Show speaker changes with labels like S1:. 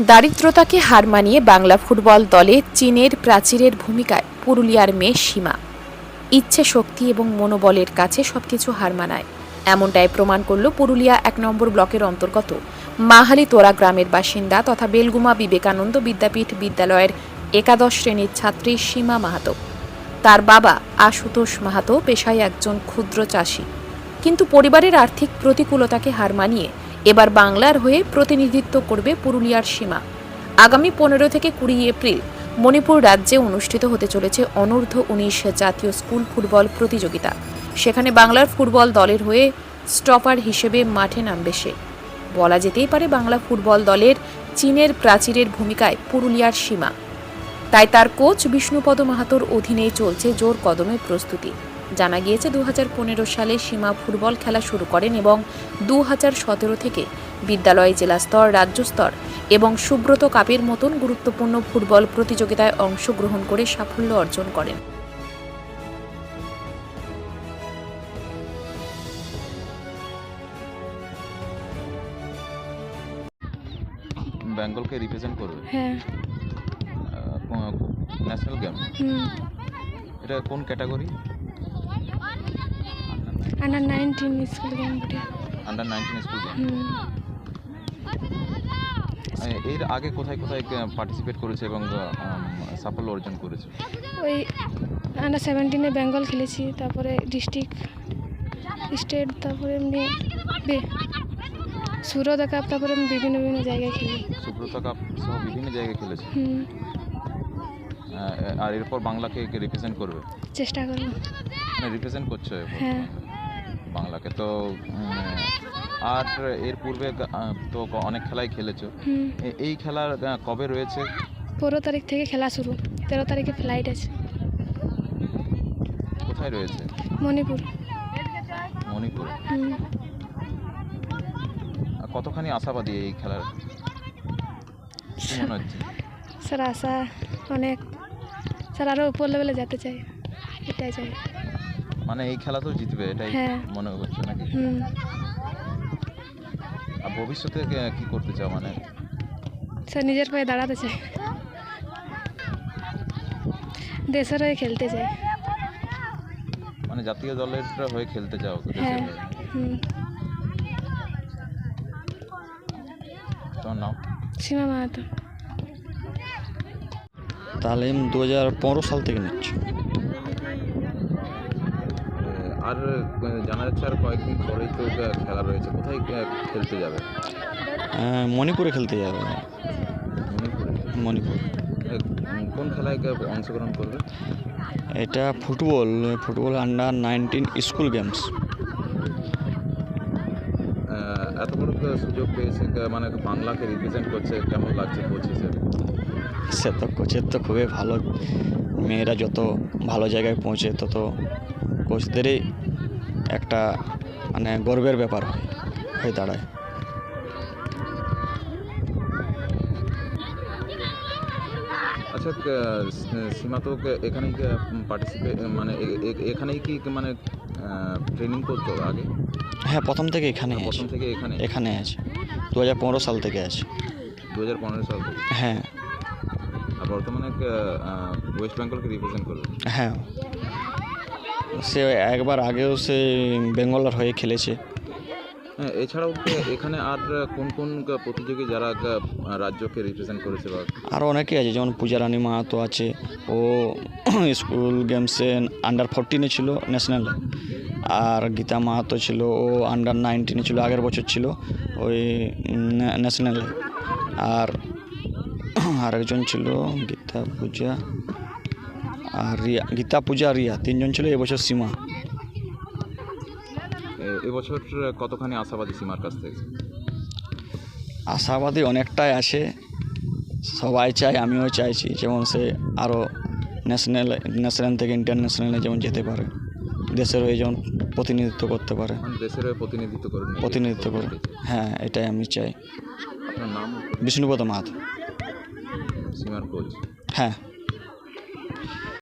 S1: দারিদ্রতাকে হার মানিয়ে বাংলা ফুটবল দলে চীনের প্রাচীরের ভূমিকায় পুরুলিয়ার মেয়ে সীমা ইচ্ছে শক্তি এবং মনোবলের কাছে সবকিছু হার মানায়, এমনটাই প্রমাণ করল পুরুলিয়া ১ নম্বর ব্লকের অন্তর্গত মাহালি তোরা গ্রামের বাসিন্দা তথা বেলগুমা বিবেকানন্দ বিদ্যাপীঠ বিদ্যালয়ের একাদশ শ্রেণীর ছাত্রী সীমা মাহাতো। তার বাবা আশুতোষ মাহাতো পেশায় একজন ক্ষুদ্র চাষি, কিন্তু পরিবারের আর্থিক প্রতিকূলতাকে হার মানিয়ে এবার বাংলার হয়ে প্রতিনিধিত্ব করবে পুরুলিয়ার সীমা। আগামী ১৫ থেকে ২০ এপ্রিল মণিপুর রাজ্যে অনুষ্ঠিত হতে চলেছে অনূর্ধ্ব-১৯ জাতীয় স্কুল ফুটবল প্রতিযোগিতা। সেখানে বাংলার ফুটবল দলের হয়ে স্টপার হিসেবে মাঠে নামবে সে। বলা যেতেই পারে বাংলা ফুটবল দলের চীনের প্রাচীরের ভূমিকায় পুরুলিয়ার সীমা। তাই তার কোচ বিষ্ণুপদ মাহাতোর অধীনেই চলছে জোর কদমে প্রস্তুতি। জানা গিয়েছে ২০১৫ সালে সীমা ফুটবল খেলা শুরু করেন এবং ২০১৭ থেকে বিদ্যালয় জেলা স্তর, রাজ্য স্তর এবং সুব্রত কাপের মতন গুরুত্বপূর্ণ ফুটবল প্রতিযোগিতায় অংশগ্রহণ করে সাফল্য অর্জন করেন।
S2: বেঙ্গলকে রিপ্রেজেন্ট করবে।
S3: হ্যাঁ।
S2: National game. এটা কোন ক্যাটাগরি?
S3: আন্ডার 19 স্কুল গেম বটে।
S2: Under 19 school game. এর আগে কোথায় কোথায় পার্টিসিপেট করেছে এবং সাফল্য অর্জন করেছে?
S3: ওই আন্ডার 17-এ বেঙ্গল খেলেছি, তারপরে ডিস্ট্রিক্ট, স্টেট, তারপরে এমনি সুব্রত কাপ, তারপরে বিভিন্ন বিভিন্ন জায়গায় খেলি।
S2: সুব্রত কাপ সহ বিভিন্ন জায়গায় খেলেছে। আর এরপর বাংলাকে রিপ্রেজেন্ট করবে?
S3: চেষ্টা করব।
S2: মানে রিপ্রেজেন্ট করছে
S3: হ্যাঁ,
S2: বাংলাকে। তো আর এর পূর্বে তো অনেক খেলাই খেলেছো। এই খেলার কবে রয়েছে?
S3: 15 তারিখ থেকে খেলা শুরু, 13 তারিখে ফ্লাইট আছে।
S2: কোথায় রয়েছে?
S3: মণিপুর।
S2: মণিপুর। কতখানি আশাবাদী এই খেলার, কি মনে হচ্ছে?
S3: স্যার আশা অনেক, স্যার আরও উপর লেভেলে যেতে চাই, এটাই চাই।
S2: মানে এই খেলা তো জিতবে এটাই মনে করছো নাকি? আর ভবিষ্যতে কি করতে চাও? মানে
S3: স্যার নিজের পায়ে দাঁড়াতে চাই, দেশের হয়ে খেলতে চাই।
S2: মানে জাতীয় দলের হয়ে খেলতে চাও?
S3: হ্যাঁ।
S2: তোমার নাম?
S3: সীমা মাহাতো।
S4: তালিম 2015 সাল থেকে নিচ্ছি।
S2: আর জানা যাচ্ছে আর কয়েকদিন পরেই তো খেলা রয়েছে। কোথায় খেলতে যাবে?
S4: মণিপুরে খেলতে যাবে। মণিপুর।
S2: কোন খেলায় অংশগ্রহণ করবে?
S4: এটা ফুটবল আন্ডার 19 স্কুল গেমস।
S2: এত বড় সুযোগ পেয়েছে, মানে বাংলাকে রিপ্রেজেন্ট করছে, কেমন লাগছে কোচ হিসেবে?
S4: সে তো কোচের তো খুবই ভালো, মেয়েরা যত ভালো জায়গায় পৌঁছে তত কোচদেরই একটা মানে গর্বের ব্যাপার হয়ে দাঁড়ায়।
S2: আচ্ছা, সীমা তো এখানেই পার্টিসিপেট, মানে এখানেই কি মানে ট্রেনিং করতো আগে?
S4: হ্যাঁ, প্রথম থেকে এখানে আছে। 2015 সাল থেকে আছে।
S2: 2015 সাল থেকে?
S4: হ্যাঁ।
S2: আর বর্তমানে ওয়েস্ট বেঙ্গলকে রিপ্রেজেন্ট করবে?
S4: হ্যাঁ, সে একবার আগেও সে বেঙ্গলের হয়ে খেলেছে।
S2: হ্যাঁ, এছাড়াও এখানে আর কোন কোন প্রতিযোগী যারা রাজ্যকে রিপ্রেজেন্ট করেছে? বা
S4: আরও অনেকে আছে, যেমন পূজারানী মাহাতো আছে, ও স্কুল গেমসে আন্ডার 14-এ ছিল ন্যাশনালে। আর গীতা মাহাতো ছিল, ও আন্ডার 19-এ ছিল, আগের বছর ছিল ওই ন্যাশনালে। আর আরেকজন ছিল গীতা পূজা রিয়া, 3জন ছিল। এবছর সীমা।
S2: এবছর কতখানি আশাবাদী সীমার কাছ থেকে?
S4: আশাবাদী অনেকটাই আছে, সবাই চায়, আমিও চাইছি যেমন সে আরও ন্যাশনাল থেকে ইন্টারন্যাশনালে যেমন যেতে পারে, দেশের হয়ে যেমন প্রতিনিধিত্ব করতে পারে।
S2: দেশের হয়ে
S4: প্রতিনিধিত্ব করে। হ্যাঁ, এটাই আমি চাই।
S2: আপনার নাম?
S4: বিষ্ণুপদ মাহাতো।
S2: সীমার কোচ?
S4: হ্যাঁ।